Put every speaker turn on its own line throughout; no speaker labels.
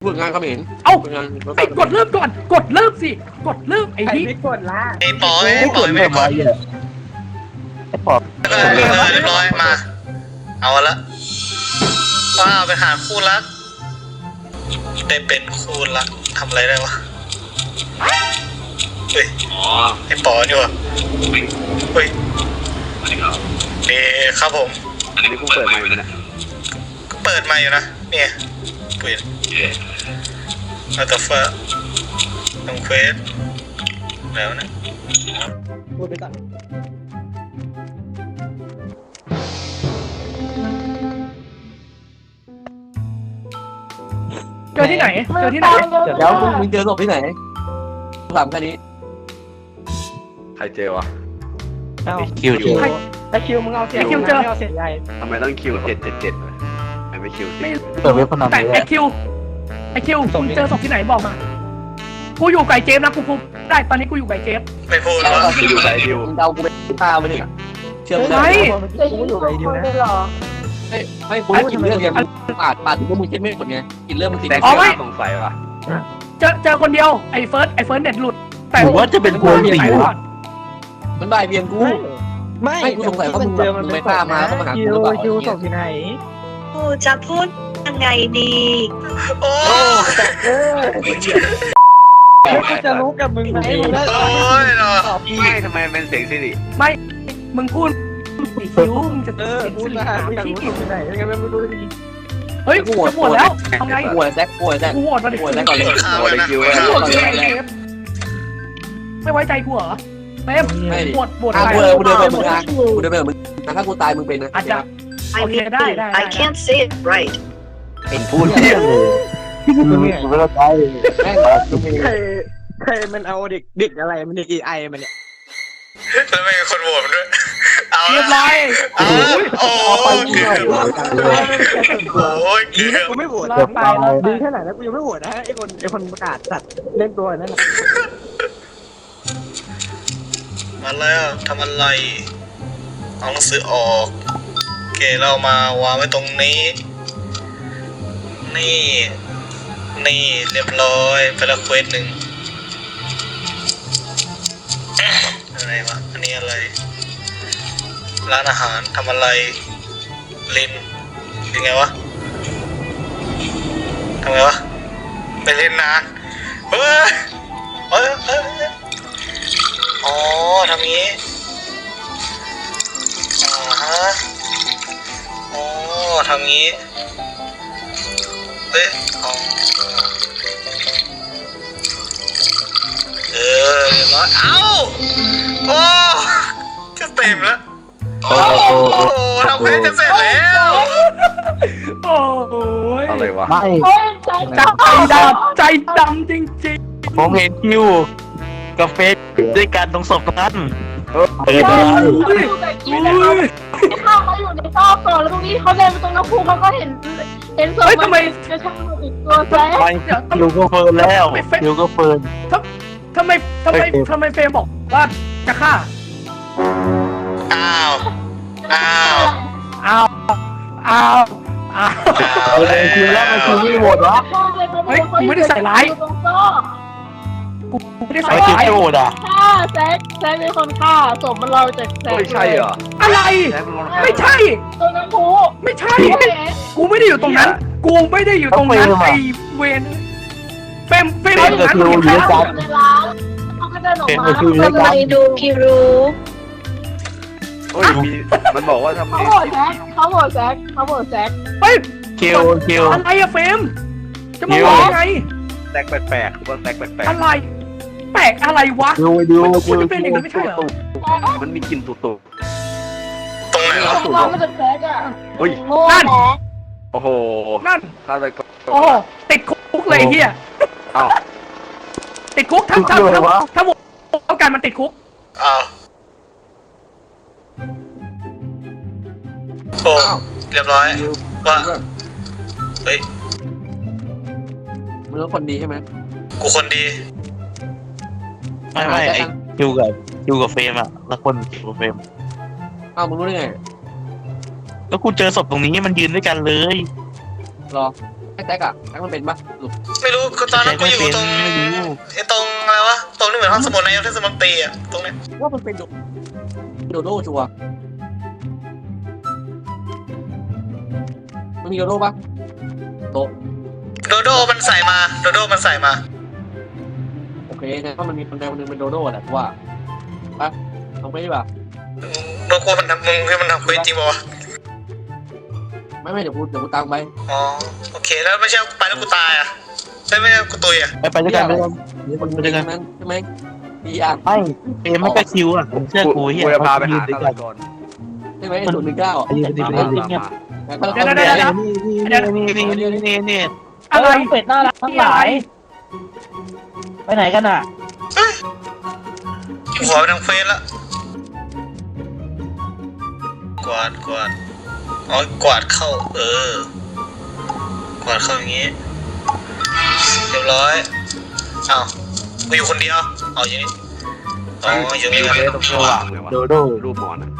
ฝึกงานเขมร
เอ้า
ฝึกงาน
ไปกดเริ่มก่อนกดเริ่มสิกดเริ่มไอ้นี่
ไม่กดละ
ไอ้ปอยไม่ได้กด
ไอ้ปอบ
เรียบร้อยมา เอาละว้าวเป็นหาคู่รักได้เป็นคู่รักทำอะไรได้วะเฮ้ยไอ้ปอนี่วะเฮ้ยนี่ครับผม
อันนี้กูเปิดใหม่เลยนะ
ก็เปิดมาอยู่นะเนี่ยเปิดอัลตฟ้าทำเควสแล้วนะ
พูดไปก่อน
เจอที่ไหนเจอที่ไหน
แล้วมึงเจอศพที่ไหนถามแค่นี้
ใครเจอวะ
คิวเจอแต่คิวมึงเอาเสียเอาเสียใหญ่
ทำไมต้องคิว777ไม่คิวสิ
เปิดเว็บพนัน
แต่ไอคิวมึงเจอศพที่ไหนบอกมากูอยู่ไก่เจมนะกูพูดได้ตอนนี้กูอยู่ไก่เจม
ไม่พูดว่า
คิวไหนคิว
มึงเดากูไปตาไปเนี่ยเชื่อมึง
ไม่
กูอยู่ไรเดียวนะ
ไม่กูรู้กินเรื่องยังปาดถึงว่ามึงคิดไม่หมดไงกินเรื่องมึงติด
แต่สงสัยว่ะ
เจอคนเดียวไอ้เฟิร์สเน็ตหลุดแต่
ผมว่าจะเป็นกู
ไหนก่อน
มันบ่ายเบียงกู
ไม่
กูสงสัยว่ามึงไม่กล้ามาต้องมาหากูหรือเปล่า
คิวส่งที่ไหน
กูจะพูดยังไงดี
โอ้
กูจะรู้กับมึงไหมมึง
โอ้ยเนาะ
ไม่ทำไมเป็นเสียงสิริ
มึงพูดไอ้คิวมึงจะ
พูดมากูอยากรู้ส่งที่ไหนยังไงไม่รู้ดี
เฮ้ยจะปวดแล้วทำไง
ป่วยแซกป่วยแซก
กูโหวตมาดิ
ป่วยแซกก่อนเลย
ข้าวเลยนะ
กูโหวตไอ้เจมไม่ไว้ใจกูเหรอเต็มปวด
ถ้า
อะไร
กูเดินไปมึงนะกูเดินไปมึงถ้ากูตายมึงเป็นนะ
อาจจะ
I mean I can't say it right
เป็นพูดเรื่องเลย
ไม่ต้องใจ
แม่งมึง
ใครมันเอาเด็กอะไรมันเด็กไอมันเนี่ย
แล้วไม่มีคนโหวตมันด้วยเอา
เรียบร้อย
เอาโอ้ยเกือบโอ้ยเกือบ
กูไม่โหวต
รอดตายแล้ว
ดีแค่ไหนแล้วกูยังไม่โหวตนะไอ้คนประกาศสัตว์เล่นตัวนั่นแหละ
มาแล้วทำอะไรเอาหนังสือออกโอเคเรามาวางไว้ตรงนี้ นี่เรียบร้อยไปละเควสหนึ่งอะไรวะอันนี้อะไรร้านอาหารทำอะไรลินยังไงวะทำไงวะไปเล่นนานเฮ้ยอ๋อทำงี้อ๋อทำงี้เฮ้ยอ๋อเรียบร้อยเอ้าโอ้จะเต็มแล้วโอ้ทำเพลงจะเสร็จแล้ว
โอ้ย
อะไรวะ
ไม่
ใจดำจริง
ผมเห็นคิวกับเฟสด้วยกันตรงศพนั้น
ๆโอ้ย
เข้ามาอยู่ในซอกก่อนแล้วตรงนี้เขาเดินไปตรงน้ำพุเขาก็เห็นศพมันจะช่างอีกตัวแซ่
ไปคิวก็เฟิร์นแล้วคิวก็เฟิร์น
ทำไมเฟรมบอกว่าจะฆ่า
อ้าว
เลยคิวแล้วมันคิวไม่โหวตวะ
เฮ้ยกูไม่ได้ใส่ร้ายกูไม่ได้ใส่
ไม่คิว
ร้าย
ไม่โหวตอ่ะ
ฆ่าแซกเป็นคนฆ่าศพมันลอยจากแซก
ไม่ใช่เหรอ
อะไร ไม่ใช่
ตรงน้ำพุ
ไม่ใช่ กูไม่ได้อยู่ตรงนั้น กูไม่ได้อยู่ตรงนั้นไอเวนเฟรมอยู่ตรงนั้นมึงเห็นใคร
ในร้านเขาก็เดินออกมา
ทำไมดูคิรู
โอ้ยมันบอกว่าทำ
เขา
นี้
โหวตแซก
เฮ้ย
คิว
อะไรอะเฟรมจะมาบอกยังไง
แตกแปลกๆว่าแตกแปลก
อะไร แปลกอะไรวะ
ดู
มันควรจะเป็นอย่างนั้นไม่ใช่เหรอ
ๆมันมีกลิ่นตุ่
ตรงไหนวะ
เขาบอกมาจากแซกอ่ะ
ๆอุ้ย
โง่แซก
โอ้โห
นั่น
ฆาตกร
โอ้ติดคุกเลยเฮีย
อ้าว
ติดคุกถ้าโหวตเอาการมันติดคุก
อ้าวโอ้เรียบร้อยว่าเฮ้ย
มึงเป็นคนดีใช่ไหม
กูคนดี
ไม่ไอคิวกับเฟรมอ่ะแล้วคนคิวกับเฟรม
อ้าวมึงรู้ได้ไง
แล้วกูเจอศพตรงนี้มันยืนด้วยกันเลย
รอแท็กอะแท็กมันเป็นปะลูก
ไม่รู้ตอนนั้นกูอยู่ตรง
ไม่รู้
ไอ้ตรงอะไรวะตรงนี้เหมือนห้องสมุดในเทศมนตรีอะตรงนี้
ว่ามันเป็นโดโดชัวร์มันมีโดโดปะโต
โดโดมันใส่มาโดโดมันใส่มา
โอเคแต่ว่ามันมีคนใดคนหนึ่งเป็นโดโดแหละว่าปะลองไปดิป่ะ
โดโกมันทำมึงให้มันทำคุยจริงป่าวะ
ไม่เดี๋ยวกูตามไป
อ๋อโอเคแล้วไม่ใช่ไปแล้วกูตายอ่ะไม่ใช่กูตุยอ่ะ
ไปด้วยกันไปด้วยกัน
มันเป็นอย่างนั้นใช่ไหมดีอ่ะ
ไม่เฟรมไม่ก็คิวอ่ะผมเชื่อกูเฮีย
กูจะพาไปหา
ด้วย
ฆา
กั
ต
น
กร
ใช่ไหม019
ยืนดีไปเลยเงียบ นี่
อะไร
เป็ดน่ารักทั้งหลาย ไปไหนกันอ่ะ
หัวไปทางเฟซละกวาดอ๋อกวาดเข้ากวาดเข้าอย่างงี้เรียบร้อยอ้าวกูอยู่คนเดียวเอาอย่างนี้อ๋ออยู่นี่
เฟซตรงข้างหลังเลยวะ
โดโด
รูปหมอนอะ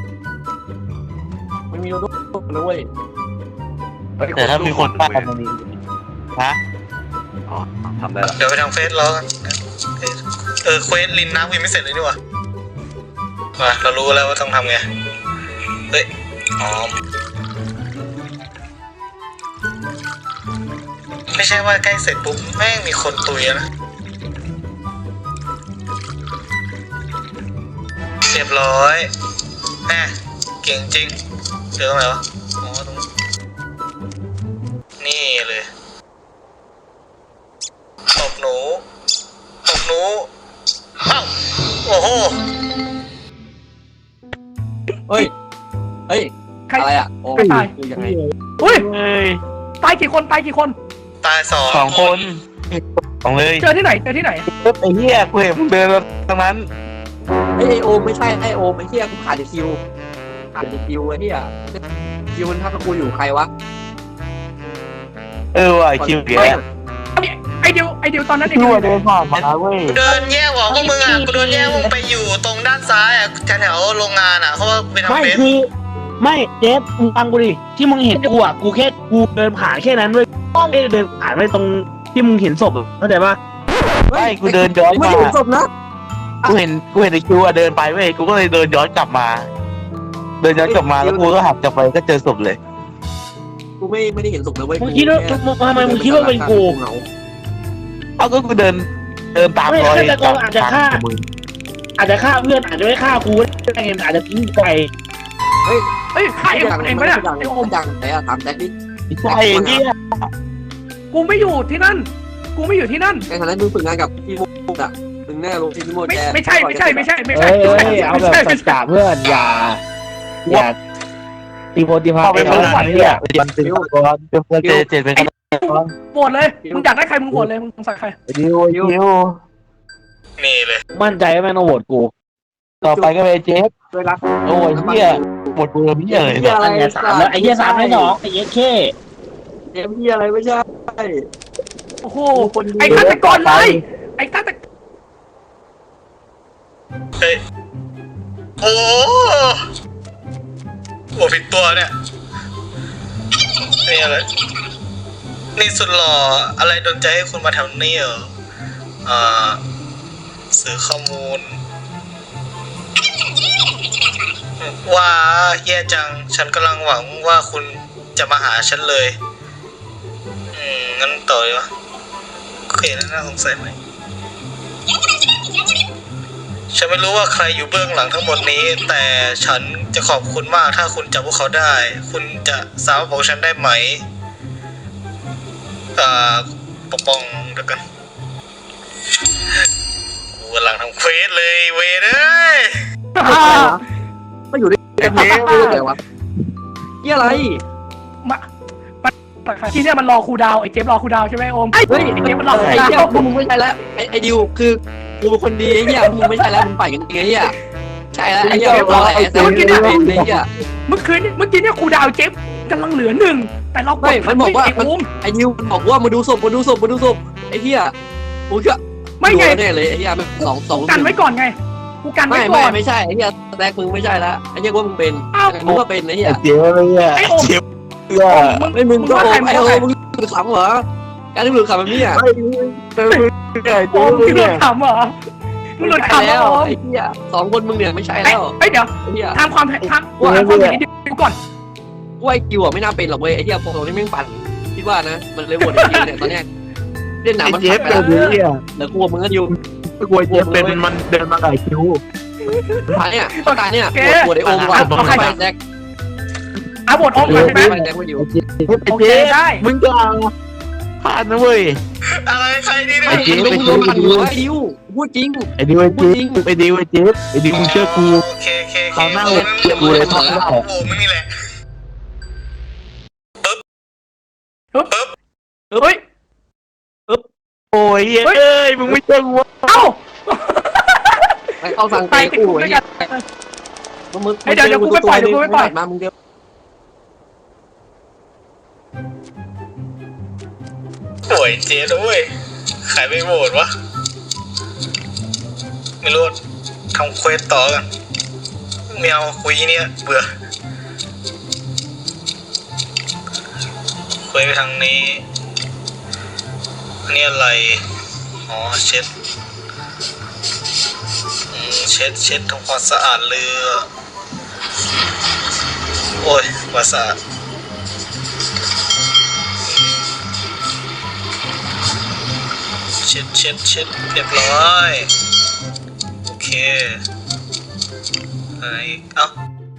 มันมีโดโดนะเว้ย
แต่ถ้ามีคนป้ากันมันมีฮะ
อ๋อทำได้ละ
เดี๋ยวไปทางเฟซรอกันเควสลินน้ำกูยังไม่เสร็จเลยนี่หว่ามาเรารู้แล้วว่าต้องทำไงเฮ้ยอ๋อไม่ใช่ว่าใกล้เสร็จปุ๊บแม่งมีคนตุยแล้วนะเรียบร้อยแหมเก่งจริงเจอตรงไหนวะอ๋อตรงนี่เลยตบหนูเอ้าโอ้โห
เฮ้ยอะไรอ่ะโอ้ยคือยังไง
อุ้ย
เฮ้ย
ตายกี่คนตายกี่คน
ตายสอง
2 คนสองเลย
เจอที่ไหนเจอที่ไหไหน
ไอ้เหี้ยกูเห็นมึงเดินตรงนั้น
ไอโอมไม่ใช่ไอโอมไอเหี้ยกูขาดคิวไอเหี้ยคิวมันทักกับกูอยู่ใครวะ
ว่ะคิวแก
ไอเดียวตอนนั้น
คิวเดินผ่านมาเว้ย
เดินแยกออกพวกมึงอ่ะกูเดินแยกมึงไปอยู่ตรงด้านซ้ายอ่ะแถวโรงงานอ่ะเพราะว่าไปทำ
ไม่
เฟซ
คือไม่เจฟมึงฟังกูดิที่มึงเห็นกูอ่ะกูแค่กูเดินผ่านแค่นั้นด้วยไม่ได้เดินผ่านไปตรงที่มึงเห็นศพเข้าใจปะ
ไม่กูเดินย้อน
ไม่
มา
เห็นศพนะ
กูเห็นไอ้คิวเดินไปเว้ยกูก็เลยเดินย้อนกลับมาแล้วกูก็หักกลับไปก็เจอศพเลย
กูไม่ได้เห็นศพนะเว้ย
มึงคิดว่าทำไมมึงคิดว่าเป็นกู
เอาก็กูเดินตามรอยอาจจะฆ่า
อาจจะฆ่าเพื่อนอาจจะไม่ฆ่ากูได้ไงอาจจะทิ้งไป
เฮ้ยใครเองไม่ได้ไอโอม
ดังแต่ถามแจ็คดิ
ใช่เนี่ย
กูไม่อยู่ที่นั่น
ในฐานะมึงฝึกงานกับพี่มุกอ่ะมึงแน่ลงที่พี่มุกแก
ไม่ใช่
เเอาแบบสัจจะเพื่อนอย่าตีโพตีพา
เข้าไปเมื่อไหร่เนี่ยเป็นก่อนเป็นเจ็ดเป็น
โหวตเลยมึงอยากได้ใครมึงโหวตเลยมึงใส่ใคร
ดิว
นี่เลย
มั่นใจว่าแม่งต้องโหวตกู
ต่อไปก็เป็นเจฟ
ด้วยรัก
โอ้ยเหี้ยหมดเบอร์พี่เลย
เหี้ยอะไร
ไอ้3แล้วไอ้เหี้ย3ไม่2ไอ้เหี้ยแค่
เกมเหี้ยอะไรไม่ใช่
โอ้โหไอ้ฆาตกรเลยไอ้ฆาตกร
เฮ้ยโอ้โหผิดตัวเนี่ยนี่อะไรนี่สุดหล่ออะไรโดนใจให้คุณมาแถวนี้เหรอสื่อข้อมูลว่าแย่จังฉันกำลังหวังว่าคุณจะมาหาฉันเลยงั้นต่อเลยวะโอเคน่าสงสัยไหมฉันไม่รู้ว่าใครอยู่เบื้องหลังทั้งหมดนี้แต่ฉันจะขอบคุณมากถ้าคุณจับพวกเขาได้คุณจะสามารถบอกฉันได้ไหมปกป้องเดี๋ยวกันกูกำลังทำเควสเลยเวรเอ้ย
ไม่อยู่ด้วยกันเองไม่รู้แต่วะเหี้ยอะไร
ที่เนี่ยมันรอคูดาวไอ้เจฟรอคูดาวใช่ไหมโอม
เฮ้ย
ไอ้เจฟมันรอคู
ไอ้
ดา
เหี้ยว มึงไม่ใช่แล้วไอ้ดิวคือกูเป็นคนดีไอ้เหี้ยมึงไม่ใช่แล้วมึงไปกันไงเหี้ยใช่แล้วไอ้เหี้ยรอไอ้เหี้ยไอ้เหี้ย
เมื่อกี้เนี่ยคูดาวเจฟกำลังเหลือ1แต่เรากด
มันบอกว่า
ไอ้โอม
ไอ้ดิวมันบอกว่ามาดูศพไอ้เหี้ยกูก็
ไม่ไง
แน่เลยไอ้เหี้ยสอง
กันไว้ก่อนไงกูกันไว้ก่อน
ไม่ใช่ไอ้เหี้ยแรกมึงไม่ใช่แล้วไอ้เหี้ยว่ามึงเป็นมึงก็เป็นไอ้เหี้ย
เจียวเลยอ่ะ
ไอ้โอม
เจียว
ไม่มึงก็ไอ้โอมึงหลุดขำเหรอการที่หลุดขำแบบนี้อ่ะ
โอมที่หลุดขำเหรอมึงหลุด
ใช่
ขำ
แล้ว
โอม
ไอ้เหี้ยสองคนมึงเนี่ยไม่ใช่แล้ว
เฮ้ยเดี๋ยว
ไอ้เหี้ย
ทำความเห็นนิดก่อน
กูไอ้กิวอ่ะไม่น่าเป็นหรอกเว้ยไอ้เหี้ยพวกเรานี่แม่งปั่นคิดว่านะมันเลยโหวตไอ้กิวเนี่ยตอนเนี้ยเล่นหนังมัน
เจ
ผ่า
ฟ
นไป
เป็
แล้
น
ว
เนี่ย
แล้วกูมึงก็อยู่
กลัวเจฟเป็นมันเดินมาไก่คิว
ผ่านเนี่ยตายเนี่ยโหวตไอ้โอมก่อนไปแจ็ค
อาบทโอมก่อนใช่ไหม
ไปแจ็คมาอยู่
โอเคได้
มึงก็พลาดนะเว้ย
อะไรใครนี่
ไอ้
เนี่ย
ดิวมึงปั่นอยู่ไอ้ดิวพูดจริง
ไอ้ดิวไอ้เจฟไอ้ดิวไอ้เจฟไอ้ดิวมึงเชื่อกู
โอเคโอเคโอเค
ตอนหน้า
โอ้
กูเลยทอด
โอ้โหมึงนี่แหละ
เฮ้ย
โอ้ยเอ้ยมึงไม่เชื่อกู
เอ้า
ไปเข้าสั่งไปกูไอ้เหี้ยมึงมามึงเดียว
โอ้ยเจ๊ด้วยใครไม่โหวตวะไม่รู้ทำเควสต่อกันไม่เอาคุยเนี่ยเบื่อคุยไปทางนี้อันนี้อะไรอ๋อเช็ดเช็ดทำความสะอาดเรือโอ้ยความสะอาดเช็ดเรียบร้อยโอเคอะไรอีกเอ้า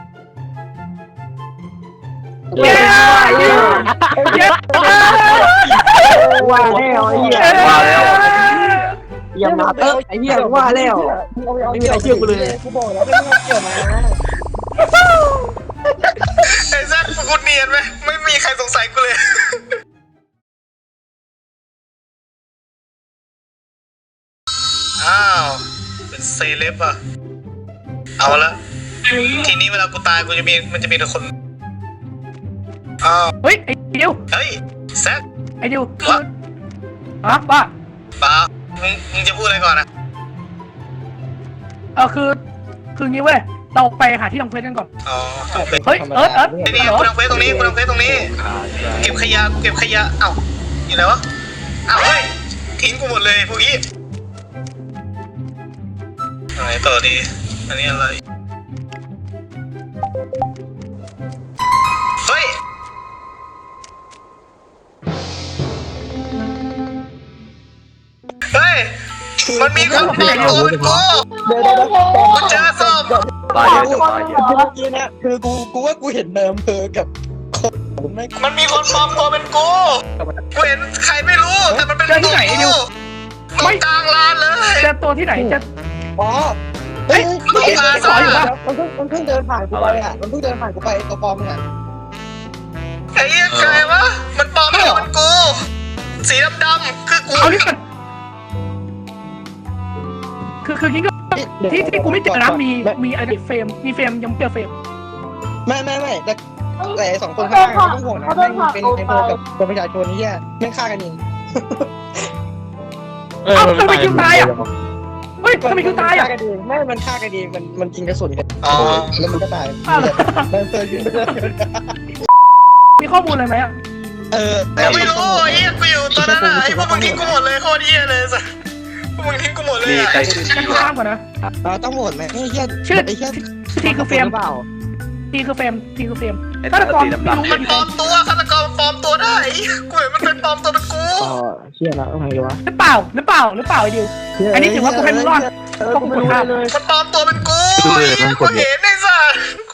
เย้เย้เย้
ว่าแล้วไอ้เหี้ย
ว่าแล้ว
อย่ามาเตอไอ้เหี้ยว่าแล้วไม่มีใครเชื่อกูเลย
ไอ้แซคกูเนียนไหมไม่มีใครสงสัยกูเลยอ้าวเป็นเซเลบอ่ะเอาละทีนี้เวลากูตายมันจะมีแต่คนอ้าว
เฮ้ยไอ้ดิว
เฮ้ยแซค
ไอ้ดิวฮะว่า
ป้ามึงจะพูดอะไรก่อนนะ
คืองี้เว้ยเราไปหาที่ทำเควสกันก่อน
อ๋อทำเควส
เฮ้ยเอิร์ธ
นี่กูทำเควสตรงนี้เก็บขยะเอ้าอยู่ไหนวะเอ้าเฮ้ยทิ้งกูหมดเลยพวกนี้อะไรต่อดีอันนี้อะไรเฮ้ยมันมีคนปลอมตัวเป็นกูกูเจอศพ
ตายเยอะจังตายเยอะ
เมื่อกี้เนี่ยคือกูว่ากูเห็นเดิมเพอกับคนไม่
มันมีคนปลอมตัวเป็นกูเห็นใครไม่รู้แต่มันเป็นตัวกูตรงกลางลานเลย
เจอตัวที่ไหนจะ
อ๋อ
เฮ้ย
มันพาซ่า
มันเพิ่งเดินผ่านกูไปอ่ะมันเพิ่งเดินผ่านกูไปตัวปลอมเนี่ย
ไอ้เหี้ยใครวะมันปลอมตัวเป็นกูสีดำๆคือกู
เอานี่ก่อนคืองี้ก็ที่กูไม่เจอนะมีอะไรเฟรมมีเฟรมยังเจอเฟรม
ไม่แต่สองคนข้างๆไม่ต้องห่วงนะแม่งเป็นไอ้โบกับคนประชาชนนี่แย่แม่งฆ่ากันเอง
เอ้าทำไมคิวตายอ่ะเฮ้ยทำไมคิวตายอ่ะ
ฆ่ากันเองไม่มันฆ่ากันเองมันยิงกระสุนกัน
อ๋อ
แล้วมันก็ตายมันเปิดอยู่
มีข้อมูลอะไรไหมอ่ะ
ไม่รู้ไอ้เหี้ยกูอยู่ตอนนั้นอ่ะไอ้พวกมึงทิ้งกูหมดเลยโคตรเหี้ยเลยสัสพวกมึงทิ้งกูหมดเลย
มี
อ่ะ
ใครชื่อ
ฉันข้ามก่อนนะ
ต้องโหวตไหมไอ้เหี้ย
ชื่อ
ไอ้เหี้ย
ทีคือเฟรม
เปล่า
ทีคือเฟรม
ไอ้
ฆาตกร
สี
ไม่
ดำ
รู้
มันปลอมตัวฆาตกรปลอมตัวได้กูเห็นมันเป็นปลอมตัวเป็นกู
อ๋อเชี่ยแล้วทำไงดีวะ
หรือเปล่าไอ้ดิวอันนี้ถือว่ากูให้มึงรอดเพราะกูกดข้าม
มันปลอมตัวเป็นกูกูเห็นไอ้สัสกู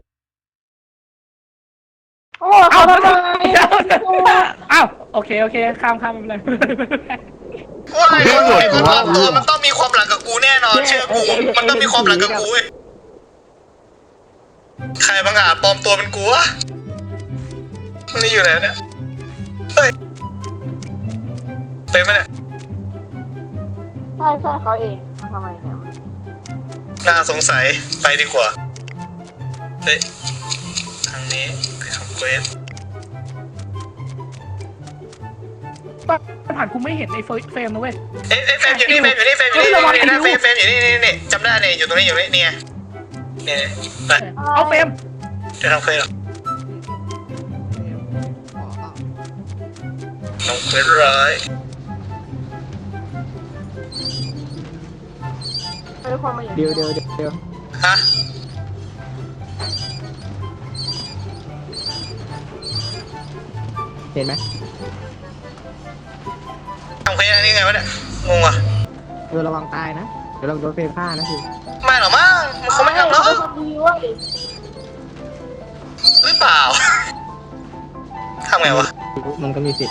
โอ้เขาทำไม
อ้าวโอเคข้ามไม่เป็นไร
ว่าไอ้คนปลอมตัวมันต้องมีความหลังกับกูแน่นอนเชื่อกูมันต้องมีความหลังกับกูเว้ยใครบางอาจปลอมตัวเป็นกูวะมันนี่อยู่ไหนเนี่ยเฮ้ยเป็นไหมเนี่ย
ใช่เขาเองทำไมเนี่ย
น่าสงสัยไปดีกว่าเฮ้ยทางนี้ไปทำเควส
ผ่านกูไม่เห็นไอ้เฟรมนะเว้ย
เอ้เฟรมอยู่นี่เฟรมอยู่นี่เฟรมอยู่นี่เฟรมอยู่นี่จำได้เนี่ยอยู่ตรงนี้อยู่นี่เนี่ยไป
เอาเฟรม
จะทำเควสหรอน้องเควสร้าย
ไม่ได้ความมาอย่าง
เดี๋ยว
ฮะ
เห็นไหม
ทำเควสอันนี้ไงวะเนี่ยงงว่ะ
ระวังตายนะเดี๋ยวเราโดนเฟรผ้านะสิ
ไม่หรอกมั้งมันคงไม่ทำหรอก
เป็นคนดีเว้ย
หรือเปล่าทำไงวะ
มันก็มีสิทธิ์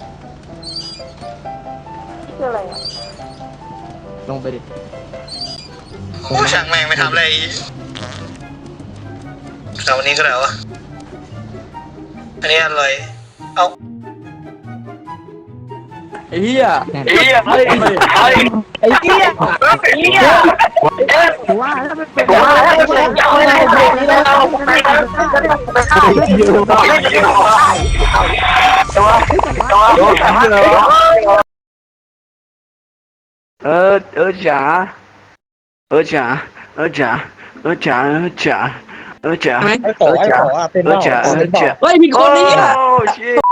นี่คืออะไรอ่ะ
ลงไปดิ
โอ้ช่างแม่งไม่ทำอะไรแต่วันนี้ก็แล้ววะอันนี้อะไรเอา
ไอ้เหี้ย
ไอ้เหี้ย
ว่าถ้าเป็น
จ๋าจ๋าจ๋าจ๋าจ๋า
ไหม
ไอ้ขอเป็นเปล่า
เฮ้ยมีคนนี้อ่ะ
โอ้ชิ